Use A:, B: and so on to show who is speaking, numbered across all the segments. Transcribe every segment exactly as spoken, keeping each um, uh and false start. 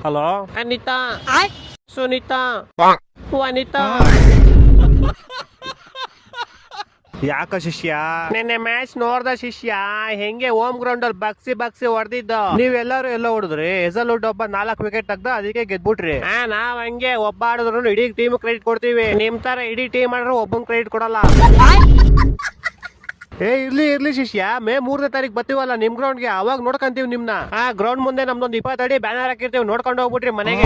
A: Hello Anita, Sunita, ವನಿತಾ. ಯಾಕ ಶಿಷ್ಯ ನಿನ್ನೆ ಮ್ಯಾಚ್ ನೋಡ್ದ ಶಿಷ್ಯ? ಹೆಂಗೆ ಹೋಮ್ ಗ್ರೌಂಡ್ ಅಲ್ಲಿ ಬಗ್ಸಿ ಬಗ್ಸಿ ಹೊಡೆದಿದ್ದು. ನೀವೆಲ್ಲರೂ ಎಲ್ಲ ಹೊಡೆದ್ರಿ. ಹೆಸಲ್ವುಡ್ ಒಬ್ಬ ನಾಲ್ಕು ವಿಕೆಟ್ ತೆಗ್ದ, ಅದಕ್ಕೆ ಗೆದ್ಬಿಟ್ರಿ. ಹಾ, ನಾವ್ ಹಂಗೆ ಒಬ್ಬ ಆಡಿದ್ರು ಇಡೀ ಟೀಮ್ ಕ್ರೆಡಿಟ್ ಕೊಡ್ತೀವಿ. ನಿಮ್ ತರ ಇಡೀ ಟೀಮ್ ಆಡ್ರು ಒಬ್ಬನ್ ಕ್ರೆಡಿಟ್ ಕೊಡಲ್ಲ. ಏ ಇರ್ಲಿ ಇರ್ಲಿ ಶಿಷ್ಯ, ಮೇ ಮೂರನೇ ತಾರೀಕು ಬರ್ತೀವಲ್ಲ ನಿಮ್ ಗ್ರೌಂಡ್ಗೆ, ಅವಾಗ ನೋಡ್ಕೊಂತೀವಿ ನಿಮ್ನ. ಆ ಗ್ರೌಂಡ್ ಮುಂದೆ ನಮ್ದೊಂದು ಇಪ್ಪತ್ತಡಿ ಬ್ಯಾನರ್ ಹಾಕಿರ್ತೀವಿ, ನೋಡ್ಕೊಂಡು ಹೋಗ್ಬಿಟ್ರಿ ಮನೆಗೆ.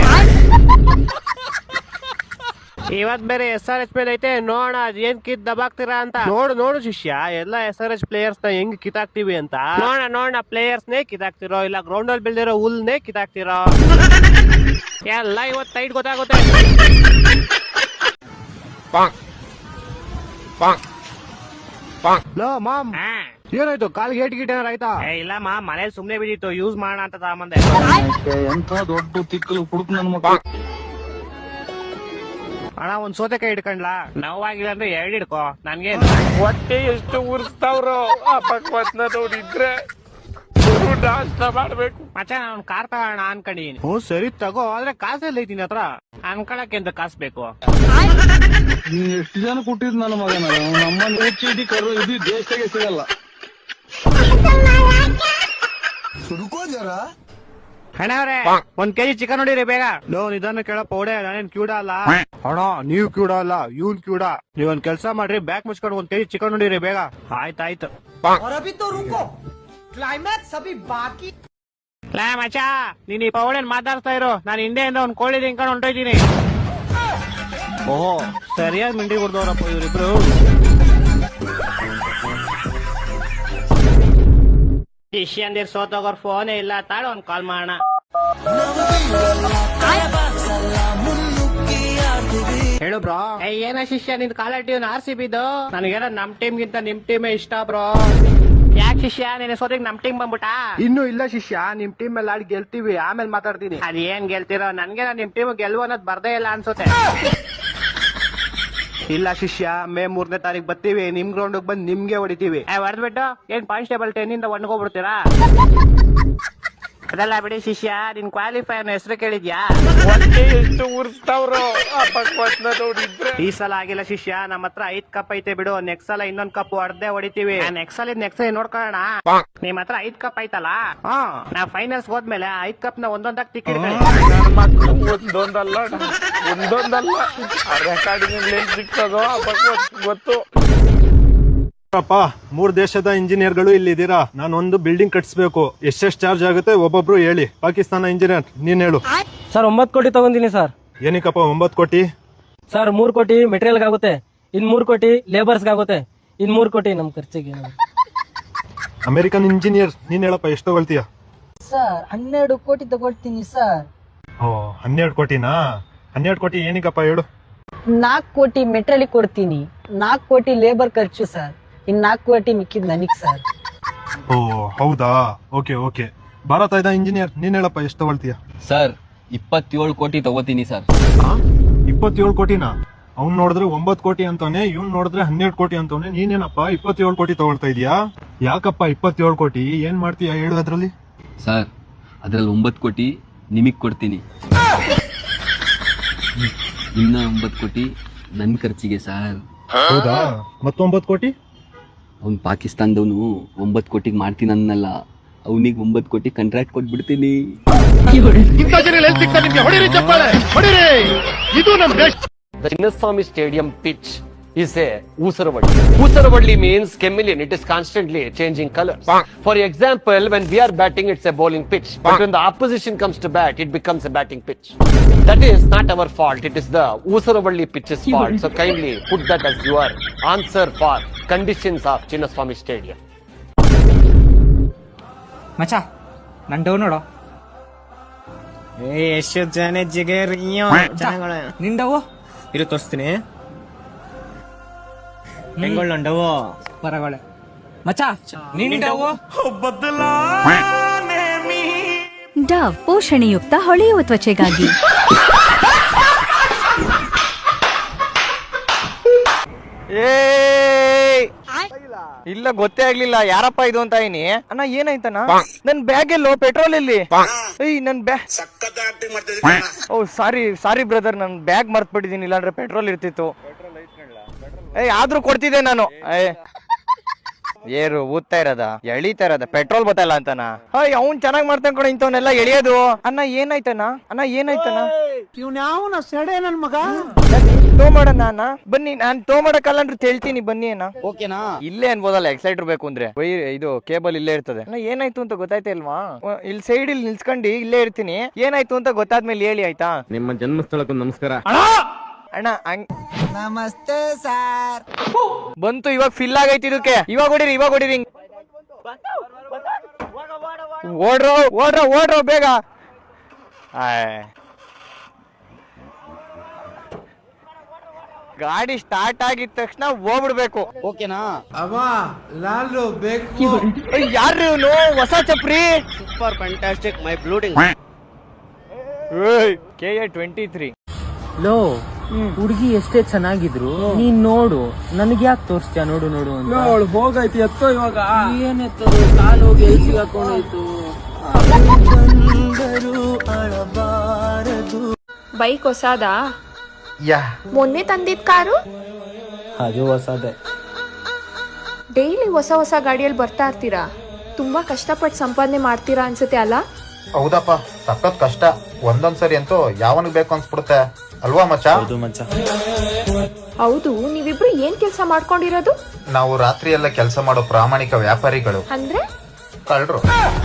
A: ಇವತ್ ಬೇರೆ ಎಸ್ ಆರ್ ಎಚ್ ಮೇಲೆ ಐತೆ, ನೋಡ ಏನ್ ಕಿತ್ ದಬಾಕ್ತೀರಾ ಅಂತ. ನೋಡು ನೋಡು ಶಿಷ್ಯ, ಎಲ್ಲಾ ಎಸ್ ಆರ್ ಎಚ್ ಪ್ಲೇಯರ್ಸ್ ನ ಹೆಂಗ್ ಕಿತಾಕ್ತಿವಿ ಅಂತ. ನೋಡ ನೋಡ ಪ್ಲೇಯರ್ಸ್ ನೇ ಕಿತಾಕ್ತಿರೋ, ಇಲ್ಲ ಗ್ರೌಂಡ್ ಅಲ್ಲಿ ಬೆಳೆದಿರೋ ಹುಲ್ನೇ ಕಿತಾಕ್ತಿರೋ ಎಲ್ಲ ಇವತ್ ಟೈಟ್ ಗೊತ್ತಾಗುತ್ತೆ. ಮಾಮ್ ಏನಾಯ್ತು? ಕಾಲ್ಗೆ ಏಟ್ ಗಿಟ್ ಏನಾರ ಆಯ್ತಾ? ಇಲ್ಲ ಮಾ, ಮನೇಲಿ ಸುಮ್ನೆ ಬಿದ್ದಿತ್ತು, ಯೂಸ್ ಮಾಡೋಣ ಅಂತ ತಗೊಂಬಂದೆ.
B: ಎಂತ ದೊಡ್ಡ ತಿಕ್ಕಲು ಕುಡುಕ್ ನನ್ ಮಕ್ಕಳು.
A: ಅಣ್ಣ ಒಂದ್ ಸೋತೆಕಾಯಿ ಹಿಡ್ಕೊಂಡ್ಲಾ? ನೋವಾಗಿಲ್ಲ ಅಂದ್ರೆ ಎರಡ್ ಹಿಡ್ಕೋ. ನನ್ಗೆ ಹೊಟ್ಟೆ ಎಷ್ಟು ಉರ್ಸ್ತಾವ್ರು. ನೋಡಿದ್ರೆ ನಾಷ್ಟ ಮಾಡ್ಬೇಕು ಮಚ್ಚ. ನಾನು ಕಾರ್ ತಗೋಣ ಅನ್ಕೊಂಡಿದೀನಿ. ಹ್ಞೂ ಸರಿ ತಗೋ, ಆದ್ರೆ ಕಾಸೆಲ್ಲ ಐತಿನಿ ಹತ್ರ. ಅನ್ಕೊಳಕ್ಕೆ ಅಂತ ಕಾಸು ಬೇಕು.
B: ನೀನ್ ಎಷ್ಟು ಜನ ಕೊಟ್ಟಿದ್ ನನ್ನ ಮಗನ? ನಮ್ಮ ಚೀಟಿ ಕರು ಇದು ದೇಶದಾಗೆ ಸಿಗಲ್ಲ.
A: ಅಣ್ಣ ಅವ್ರೆ, ಒಂದ್ ಕೆಜಿ ಚಿಕನ್ ನೋಡಿರಿ ಬೇಗ. ಲೋ ನಿಧಾನ ಕೇಳಪ್ಪ, ಓಡೆ ನಾನೇನ್ ಕ್ಯೂಡ ಅಲ್ಲ. ಅಣ್ಣ ನೀವ್ ಕ್ಯೂಡ ಅಲ್ಲ, ಇವ್ನ್ ಕ್ಯೂಡ. ನೀವ್ ಒಂದ್ ಕೆಲ್ಸ ಮಾಡ್ರಿ, ಬ್ಯಾಗ್ ಮುಚ್ಕೊಂಡು ಒಂದ್ ಕೆಜಿ ಚಿಕನ್ ನೋಡಿರಿ ಬೇಗ. ಆಯ್ತಾಯ್ತು. ಕ್ಲೈಮ್ಯಾಕ್ಸ್ ಅಭಿ ಬಾಕಿ. ಲಾ ಮಚ, ನೀನ್ ಈ ಪೌಡೇನ್ ಮಾತಾಡ್ತಾ ಇರು. ನಾನು ಹಿಂದೆಯಿಂದ ಒಂದ್ ಕೋಳಿ ತಿನ್ಕೊಂಡು ಹೊಂಟೋಯ್ತೀನಿ. ಓಹೋ, ಸರಿಯಾಗಿ ಮಿಂಡಿ ಕೊಡ್ದವ್ರಪ್ಪ ಇವ್ರಿಬ್ರು. ಶಿಷ್ಯಂದಿರ್ ಸೋತೋಗೋರ್ ಫೋನೇ ಇಲ್ಲ, ತಾಳು ಒಂದ್ ಕಾಲ್ ಮಾಡೋಣ. ಹೇಳು ಬ್ರೋ. ಏನ ಶಿಷ್ಯ ನಿನ್ ಕಾಲ ಟೀಮ್ ಆರ್ ಸಿ ಬಿದ್ದು? ನನಗೇನ ನಮ್ ಟೀಮ್ ಗಿಂತ ನಿಮ್ ಟೀಮೇ ಇಷ್ಟ ಬ್ರೋ. ಯಾಕೆ ಶಿಷ್ಯ, ನಿನ್ನ ಸೋತಿಗೆ ನಮ್ ಟೀಮ್ ಬಂದ್ಬಿಟ್ಟಾ? ಇನ್ನು ಇಲ್ಲ ಶಿಷ್ಯ, ನಿಮ್ ಟೀಮ್ ಮೇಲೆ ಆಡಿ ಗೆಲ್ತೀವಿ, ಆಮೇಲೆ ಮಾತಾಡ್ತೀನಿ. ಅದೇನ್ ಗೆಲ್ತಿರೋ, ನನ್ಗೆ ನಿಮ್ ಟೀಮ್ ಗೆಲ್ವು ಅನ್ನೋದು ಬರ್ದೇ ಇಲ್ಲ ಅನ್ಸುತ್ತೆ. ಇಲ್ಲ ಶಿಷ್ಯ, ಮೇ ಮೂರನೇ ತಾರೀಕು ಬರ್ತೀವಿ, ನಿಮ್ ಗ್ರೌಂಡ್ ಬಂದ್ ನಿಮ್ಗೆ ಹೊಡಿತೀವಿ. ಹೊಡೆದ್ಬಿಟ್ಟು ಏನ್ ಕಾನ್ಸ್ಟೇಬಲ್ ಟೆನ್ ಇಂದ ಒಣ್ಗೋಗ್ಬಿಡ್ತೀರಾ? ಅದೆಲ್ಲ ಬಿಡಿ ಶಿಷ್ಯ, ನಿನ್ ಕ್ವಾಲಿಫೈ ಅನ್ನೋ ಹೆಸರು ಕೇಳಿದ್ಯಾ? ಎಷ್ಟು ಉರ್ಸ್ತಾವ್ರು ನೋಡಿದ್ರೆ. ಈ ಸಲ ಆಗಿಲ್ಲ ಶಿಷ್ಯ, ನಮ್ಮ ಹತ್ರ ಐದ್ ಕಪ್ ಐತೆ ಬಿಡು. ನೆಕ್ಸ್ಟ್ ಸಲ ಇನ್ನೊಂದ್ ಕಪ್ ಹೊಡೆದೇ ಹೊಡಿತೀವಿ. ನೆಕ್ಸ್ಟ್ ಸಲ ನೆಕ್ಸ್ಟ್ ಸಲ ನೋಡ್ಕೊಳ್ಳೋಣ. ನಿಮ್ ಹತ್ರ ಐದ್ ಕಪ್ ಐತಲ್ಲ, ಹಾ ನಾವ್ ಫೈನಲ್ಸ್ ಹೋದ್ಮೇಲೆ ಐದ್ ಕಪ್ ನ ಒಂದೊಂದಾಗ ತಿಕ್ಕಿಡ್ಕೊಳ್ಳಿ. ಒಂದೊಂದಲ್ಲ ಒಂದೊಂದಲ್ಲ ರೆಕಾರ್ಡಿಂಗ್ ಸಿಕ್ತದೋ ಗೊತ್ತು.
C: ಮೂರ್ ದೇಶದ ಇಂಜಿನಿಯರ್ಗಳು ಇಲ್ಲಿ ಇದ್ದೀರಾ. ನಾನು ಒಂದು ಬಿಲ್ಡಿಂಗ್ ಕಟ್ಸ್ಬೇಕು. ಎಷ್ಟೆಷ್ಟು ಚಾರ್ಜ್ ಆಗುತ್ತೆ ಒಬ್ಬೊಬ್ರು ಹೇಳಿ. ಪಾಕಿಸ್ತಾನ ಇಂಜಿನಿಯರ್, ನೀನ್ ಹೇಳು.
D: ಸರ್ ಒಂಬತ್ತು ಕೋಟಿ ತಗೊಂಡಿನಿ ಸರ್.
C: ಏನಕ್ಕಪ್ಪ ಒಂಬತ್ತು ಕೋಟಿ?
D: ಸರ್ ಮೂರ್ ಕೋಟಿ ಮೆಟೀರಿಯಲ್ ಆಗುತ್ತೆ, ಇನ್ ಮೂರ್ ಕೋಟಿ ಲೇಬರ್ಸ್ ಆಗುತ್ತೆ, ಇನ್ ಮೂರ್ ಕೋಟಿ ನಮ್ ಖರ್ಚಿಗೆ.
C: ಅಮೆರಿಕನ್ ಇಂಜಿನಿಯರ್, ನೀನ್ ಹೇಳಪ್ಪ ಎಷ್ಟು ತಗೊಳ್ತೀಯ?
E: ಸರ್ ಹನ್ನೆರಡು ಕೋಟಿ ತಗೊಳ್ತೀನಿ ಸರ್.
C: ಓ ಹನ್ನೆರಡು ಕೋಟಿನಾ? ಹನ್ನೆರಡು ಕೋಟಿ ಏನಕ್ಕಪ್ಪ ಹೇಳು.
E: ನಾಲ್ಕು ಕೋಟಿ ಮೆಟೀರಿಯಲ್ ಕೊಡ್ತೀನಿ, ನಾಲ್ಕು ಕೋಟಿ ಲೇಬರ್ ಖರ್ಚು ಸರ್, ಇನ್ ನಾಲ್ಕು ಕೋಟಿ ಮಿಕ್ಕಿದ್ ನನಗ್ ಸರ್.
C: ಓ ಹೌದಾ, ಓಕೆ ಓಕೆ. ಭಾರತ ಇದ ಇಂಜಿನಿಯರ್, ನೀನ್ ಹೇಳಪ್ಪ ಎಷ್ಟು ತಗೊಳ್ತೀಯ?
F: ಸರ್ ಇಪ್ಪತ್ತೇಳು ಕೋಟಿ ತಗೋತೀನಿ ಸರ್.
C: ಇಪ್ಪತ್ತೇಳು ಕೋಟಿನಾ? ಅವ್ನ್ ನೋಡಿದ್ರೆ ಒಂಬತ್ತು ಕೋಟಿ ಅಂತಾನೆ, ಇವ್ನ್ ನೋಡಿದ್ರೆ ಹನ್ನೆರಡು ಕೋಟಿ ಅಂತಾನೆ. ನೀನೇನಪ್ಪ ಇಪ್ಪತ್ತೇಳು ಕೋಟಿ ತಗೊಳ್ತಾ ಇದೀಯಾ? ಯಾಕಪ್ಪ ಇಪ್ಪತ್ತೇಳು ಕೋಟಿ? ಏನ್ ಮಾಡ್ತೀಯ ಹೇಳು ಅದ್ರಲ್ಲಿ?
F: ಸರ್ ಅದ್ರಲ್ಲಿ ಒಂಬತ್ತು ಕೋಟಿ ನಿಮಗ್ ಕೊಡ್ತೀನಿ, ಇನ್ನ ಒಂಬತ್ತು ಕೋಟಿ ನನ್ ಖರ್ಚಿಗೆ ಸರ್.
C: ಹೌದಾ? ಮತ್ತೊಂಬತ್ತು ಕೋಟಿ?
F: ಅವ್ನ್ ಪಾಕಿಸ್ತಾನದವನು ಒಂಬತ್ತು ಕೋಟಿಗೆ ಮಾಡ್ತೀನಿ ಅನ್ನಲ್ಲ, ಅವನಿಗೆ ಒಂಬತ್ತು ಕೋಟಿ ಕಾಂಟ್ರಾಕ್ಟ್ ಕೊಟ್ಬಿಡ್ತೀನಿ.
G: The Chinnaswamy Stadium pitch is a Oosaravadi. Oosaravadi means chameleon. It is constantly changing colors. For example, when we are batting, it's a bowling pitch. But when the opposition comes to bat, it becomes a batting pitch. That is not our fault. It is the Oosaravadi pitch's fault. So kindly put that as your answer for conditions of Chinnaswamy Stadium.
H: ಮಚ ನನ್ down ನೋಡು.
A: ಎಷ್ಟು ಜನ ಜಿಗರ್
H: ನಿಂಡವು
A: ಇರು ತೋರಿಸ್ತೀನಿ. ಹೆಂಗೊಳ್ಳ ಡವು
H: ಹೊರಗಡೆ ಮಚ ನಿಂಡವು.
I: ಡವ್ ಪೋಷಣೆಯುಕ್ತ ಹೊಳೆಯುವ ತ್ವಚೆಗಾಗಿ.
A: ಇಲ್ಲ ಗೊತ್ತೇ ಆಗ್ಲಿಲ್ಲ ಯಾರಪ್ಪ ಇದು ಅಂತ ಇದೀನಿ. ಅಣ್ಣ ಏನಾಯ್ತಣ್ಣ? ನನ್ ಬ್ಯಾಗ್ ಎಲ್ಲೋ ಪೆಟ್ರೋಲ್ ಎಲ್ಲಿ? ಏಯ್ ನನ್ ಬ್ಯಾಗ್. ಓ ಸಾರಿ ಸಾರಿ ಬ್ರದರ್, ನನ್ ಬ್ಯಾಗ್ ಮರ್ತ್ ಬಿಟ್ಟಿದೀನಿ, ಇಲ್ಲಾಂದ್ರೆ ಪೆಟ್ರೋಲ್ ಇರ್ತಿತ್ತು. ಏಯ್ ಆದ್ರೂ ಕೊಡ್ತಿದ್ದೆ ನಾನು. ಏ ಏರು ಊದ್ತಾ ಇರೋದ ಎಳಿತಾ ಇರೋದ ಪೆಟ್ರೋಲ್ ಬತ್ತಲ್ಲ ಅಂತನ. ಅಯ್ಯ ಅವ್ನ್ ಚೆನ್ನಾಗ್ ಮಾಡ್ತಾನ ಕಣ ಇಂಥವನ್ನೆಲ್ಲ ಎಳಿಯೋದು. ಅಣ್ಣ ಏನಾಯ್ತಣ್ಣ? ಅಣ್ಣ ಏನಾಯ್ತಣ್ಣ?
B: ಇವ್ನ ಸೆಡೆ ನನ್ ಮಗ.
A: ಟೋ ಮಾಡೋಣ ಅಣ್ಣ, ಬನ್ನಿ ನಾನ್ ಟೋ ಮಾಡಕ್ಕಲ್ಲ ಅಂದ್ರೆ ಹೇಳ್ತೀನಿ ಬನ್ನಿ ಅಣ್ಣ.
H: ಓಕೆನಾ?
A: ಇಲ್ಲೇ ಅನ್ಬೋದಲ್ಲ ಎಕ್ಸೈಟರ್ ಬೇಕು ಅಂದ್ರೆ, ಇದು ಕೇಬಲ್ ಇಲ್ಲೇ ಇರ್ತದೆ. ಅಣ್ಣ ಏನಾಯ್ತು ಅಂತ ಗೊತ್ತಾಯ್ತಾ ಇಲ್ವಾ? ಇಲ್ಲಿ ಸೈಡ್ ಇಲ್ಲಿ ನಿಲ್ಸ್ಕೊಂಡು ಇಲ್ಲೇ ಇರ್ತೀನಿ, ಏನಾಯ್ತು ಅಂತ ಗೊತ್ತಾದ್ಮೇಲೆ ಹೇಳಿ ಆಯ್ತಾ?
F: ನಿಮ್ಮ ಜನ್ಮಸ್ಥಳಕ್ಕೂ ನಮಸ್ಕಾರ.
A: ಅಣ್ಣ ಹಂಗ್ ನಮಸ್ತೆ ಸರ್. ಬಂತು ಇವಾಗ ಫಿಲ್ ಆಗೈತಿ ಇದಕ್ಕೆ. ಇವಾಗ ಹೊಡಿರಿ ಇವಾಗ ಹೊಡಿರಿ. ಓಡ್ರೋ ಓಡ್ರೋ ಓಡ್ರೋ ಬೇಗ. ಗಾಡಿ ಸ್ಟಾರ್ಟ್ ಆಗಿದ ತಕ್ಷಣ ಹೋಗ್ಬಿಡ್ಬೇಕು.
H: ಓಕೆನಾ?
A: ಯಾರ್ರಿ ಇವನು? ಹೊಸ ಚಪ್ರಿ.
F: ಸೂಪರ್ ಫ್ಯಾಂಟಾಸ್ಟಿಕ್ ಮೈ ಬ್ಲೂಟಿಂಗ್.
A: K A twenty three.
D: ಲೋ ಹುಡುಗಿ ಎಷ್ಟೇ ಚೆನ್ನಾಗಿದ್ರು ನೀನ್ ನೋಡು, ನನಗೆ ಯಾಕೆ ತೋರಿಸ್ತೀಯ ನೋಡು ನೋಡು ಅಂತ.
H: ಹೋಗೈತಿ ಎತ್ತೋ ಇವಾಗ.
D: ಏನೆತ್ತದು? ಕಾಲು ಹೋಗಿ ಎಲ್ಲಿ ಸಿಗಾಕೊಂಡಾಯ್ತು.
J: ಬೈಕ್ ಹೊಸಾದಾ? ಮೊನ್ನೆ ತಂದಿದ್ ಕಾರು?
D: ಅದು ಹೊಸದೇ.
J: ಡೈಲಿ ಹೊಸ ಹೊಸ ಗಾಡಿಯಲ್ಲಿ ಬರ್ತಾ ಇರ್ತೀರಾ, ತುಂಬಾ ಕಷ್ಟಪಟ್ಟು ಸಂಪಾದನೆ ಮಾಡ್ತೀರಾ ಅನ್ಸುತ್ತೆ ಅಲ್ಲ?
K: ಹೌದಪ್ಪ, ಸಖತ್ ಕಷ್ಟ. ಒಂದೊಂದ್ಸರಿ ಅಂತೂ ಯಾವನಿಗೆ ಬೇಕು ಅನ್ಸ್ಬಿಡುತ್ತೆ ಅಲ್ವಾ ಮಚ್ಚ?
J: ಹೌದು, ನೀವಿಬ್ರು ಏನ್ ಕೆಲ್ಸ ಮಾಡ್ಕೊಂಡಿರೋದು?
K: ನಾವು ರಾತ್ರಿ ಎಲ್ಲ ಕೆಲಸ ಮಾಡೋ ಪ್ರಾಮಾಣಿಕ ವ್ಯಾಪಾರಿಗಳು.
J: ಅಂದ್ರೆ
K: ಕಳ್ರು.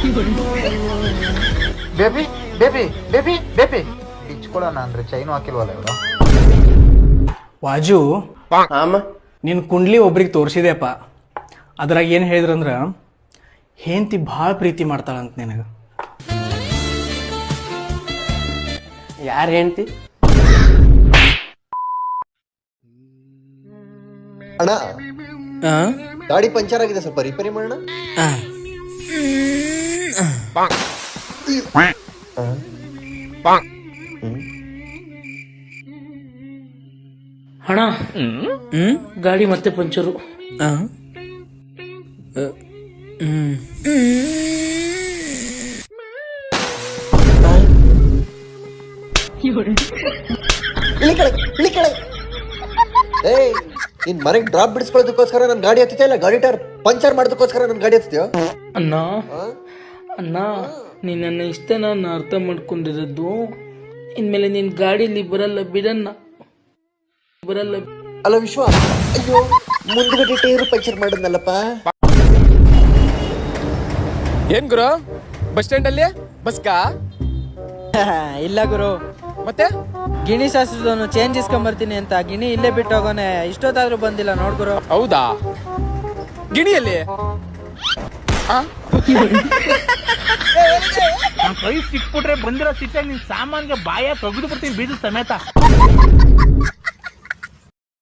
K: ಬೇಬಿ ಬೇಬಿ ಬೇಬಿ ಬೇಬಿ ಇಚ್ಕೊಳ್ಳೋಣ ಅಂದ್ರೆ ಚೈನು ಹಾಕಿಲ್ವಲ್ಲ ಇವರು.
H: ವಾಜು, ನಿನ್ ಕುಂಡ್ಲಿ ಒಬ್ರಿಗೆ ತೋರಿಸಿದೆಪ್ಪ. ಅದ್ರಾಗ ಏನ್ ಹೇಳಿದ್ರಂದ್ರ ಹೆಂಡತಿ ಭಾಳ ಪ್ರೀತಿ ಮಾಡ್ತಾಳಂತ ನಿನಗ.
D: ಯಾರು ಹೆಂಡ್ತಿ?
K: ಅಣ್ಣ ಗಾಡಿ ಪಂಚರ್ ಆಗಿದೆ, ಸ್ವಲ್ಪ ರಿಪೇರಿ ಮಾಡೋಣ.
D: ಹಣ ಗಾಡಿ ಮತ್ತೆ ಪಂಚರು.
K: ಏಯ್ ನಿನ್ ಮನೆಗೆ ಡ್ರಾಪ್ ಬಿಡಿಸ್ಕೊಳ್ಳೋದಕ್ಕೋಸ್ಕರ ನನ್ ಗಾಡಿ ಹತ್ತಿದ್ಯಾ ಇಲ್ಲ ಗಾಡಿ ಟೈರ್ ಪಂಚರ್ ಮಾಡೋದಕ್ಕೋಸ್ಕರ ನನ್ ಗಾಡಿ ಹತ್ತಿದ್ಯೋ?
D: ಅಣ್ಣ ಅಣ್ಣ ನೀನ್ ನನ್ನ ಇಷ್ಟ ನಾನು ಅರ್ಥ ಮಾಡ್ಕೊಂಡಿರೋದು, ಇನ್ಮೇಲೆ ನಿನ್ ಗಾಡಿಲಿ ಬರಲ್ಲ ಬಿಡಣ್ಣ, ಬರಲ್ಲ.
K: ಅಲ್ಲ ವಿಶ್ವ, ಅಯ್ಯೋ ಮುಂದ್ಗಡೆ ಟೈರ್ ಪಂಚರ್ ಮಾಡಿದ್ನಲ್ಲಪ್ಪ.
H: ಏನ್ ಗುರು, ಬಸ್ ಸ್ಟ್ಯಾಂಡ್ ಅಲ್ಲಿ ಬಸ್ಕಾ?
E: ಇಲ್ಲ ಗುರು,
H: ಮತ್ತೆ
E: ಗಿಣಿ ಶಾಸ್ತ್ರದವನು ಚೇಂಜ್ ಇಸ್ಕೊಂಬರ್ತೀನಿ ಅಂತ ಗಿಣಿ ಇಲ್ಲೇ ಬಿಟ್ಟು ಹೋಗೋನೆ, ಇಷ್ಟೊತ್ತಾದ್ರೂ ಬಂದಿಲ್ಲ ನೋಡ್ಗುರು.
H: ಹೌದಾ? ಗಿಣಿಯಲ್ಲಿ
B: ಕೈ ಸಿಕ್ಬಿಟ್ರೆ ಬಂದಿರೋ ಸಿಟ್ಟಾಗಿ ನಿನ್ ಸಾಮಾನ್ಗೆ ಬಾಯ ತೆಗೆದು ಬಿಡ್ತೀನಿ ಬೀಜ ಸಮೇತ.